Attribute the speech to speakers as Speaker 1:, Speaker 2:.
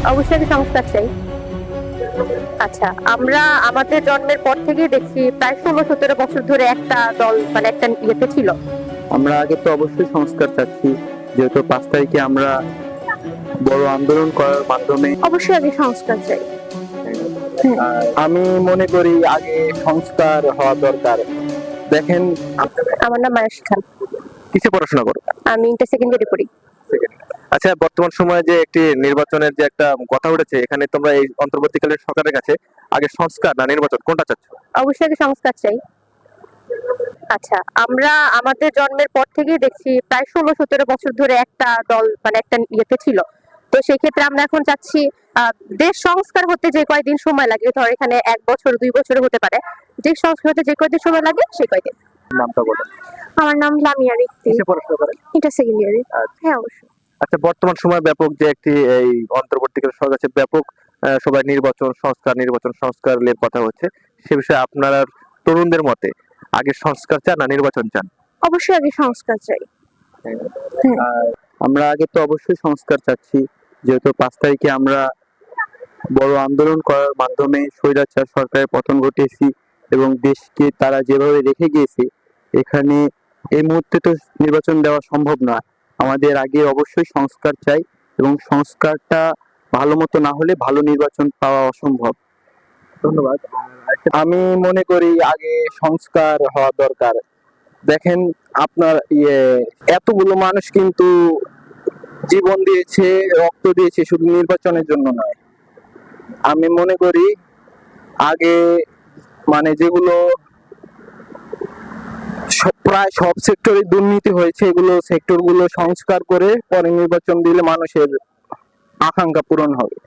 Speaker 1: অবশ্যই আমি সংস্কার চাই। আচ্ছা, আমরা আমাদের জন্মের পর থেকেই দেখছি প্রায় 16-17 বছর ধরে একটা দল মানে একটা ইয়েতে ছিল।
Speaker 2: আমরা আগে তো অবশ্যই সংস্কার চাচ্ছি, যেহেতু 5 তারিখে আমরা বড় আন্দোলন করার মাধ্যমে।
Speaker 1: অবশ্যই আগে সংস্কার চাই। হুম।
Speaker 2: আমি মনে করি আগে সংস্কার হওয়া দরকার। দেখেন,
Speaker 1: আমার নাম মায়াশী খান।
Speaker 2: কিসে পড়াশোনা করো?
Speaker 1: আমি ইন্টার সেকেন্ডারি পড়ি।
Speaker 2: আচ্ছা, বর্তমান সময়ে যে একটি নির্বাচনের যে একটা কথা উঠেছে, এখানে তোমরা এই অন্তর্বর্তীকালীন সরকারের কাছে আগে সংস্কার না নির্বাচন কোনটা চাচ্ছ?
Speaker 1: অবশ্যই আগে সংস্কার চাই। আচ্ছা, আমরা আমাদের জন্মের পর থেকেই দেখছি প্রায় 16-17 বছর ধরে একটা দল মানে একটা ইয়েতে ছিল। তো সেই ক্ষেত্রে আমরা এখন চাচ্ছি দেশ সংস্কার হতে যে কয়দিন সময় লাগে, ধর এখানে 1 বছর 2 বছর হতে পারে, দেশ সংস্কার হতে যে কয়দিন সময় লাগে সেই কয়দিন।
Speaker 2: নামটা বলো।
Speaker 1: আমার নাম লামিয়া রিক্তি।
Speaker 2: কিসে পড়াশোনা করেন?
Speaker 1: Inter secondary. হ্যাঁ, অবশ্যই।
Speaker 2: আচ্ছা, বর্তমান সময়ে ব্যাপক যে একটি এই অন্তর্বর্তীকালীন সরকার আছে, ব্যাপক সবাই নির্বাচন সংস্কার নিয়ে কথা হচ্ছে। সে বিষয়ে আপনার তরুণদের মতে আগে সংস্কার চান না নির্বাচন চান?
Speaker 1: অবশ্যই আগে সংস্কার চাই।
Speaker 2: আমরা আগে তো অবশ্যই সংস্কার চাচ্ছি, যেহেতু 5 তারিখে আমরা বড় আন্দোলন করার মাধ্যমে স্বৈরাচার সরকারের পতন ঘটিয়েছি এবং দেশকে তারা যেভাবে রেখে গিয়েছে, এখানে এই মুহূর্তে তো নির্বাচন দেওয়া সম্ভব না। আমাদের আগে অবশ্যই সংস্কার চাই এবং সংস্কারটা ভালো মতো না হলে ভালো নির্বাচন পাওয়া অসম্ভব। ধন্যবাদ। আমি মনে করি আগে সংস্কার হওয়া দরকার। দেখেন, আপনার এতগুলো মানুষ কিন্তু জীবন দিয়েছে, রক্ত দিয়েছে শুধু নির্বাচনের জন্য নয়। আমি মনে করি আগে মানে যেগুলো প্রায় সব সেক্টরে দুর্নীতি হয়েছে, এগুলো সেক্টর গুলো সংস্কার করে পরে নির্বাচন দিলে মানুষের আকাঙ্ক্ষা পূরণ হবে।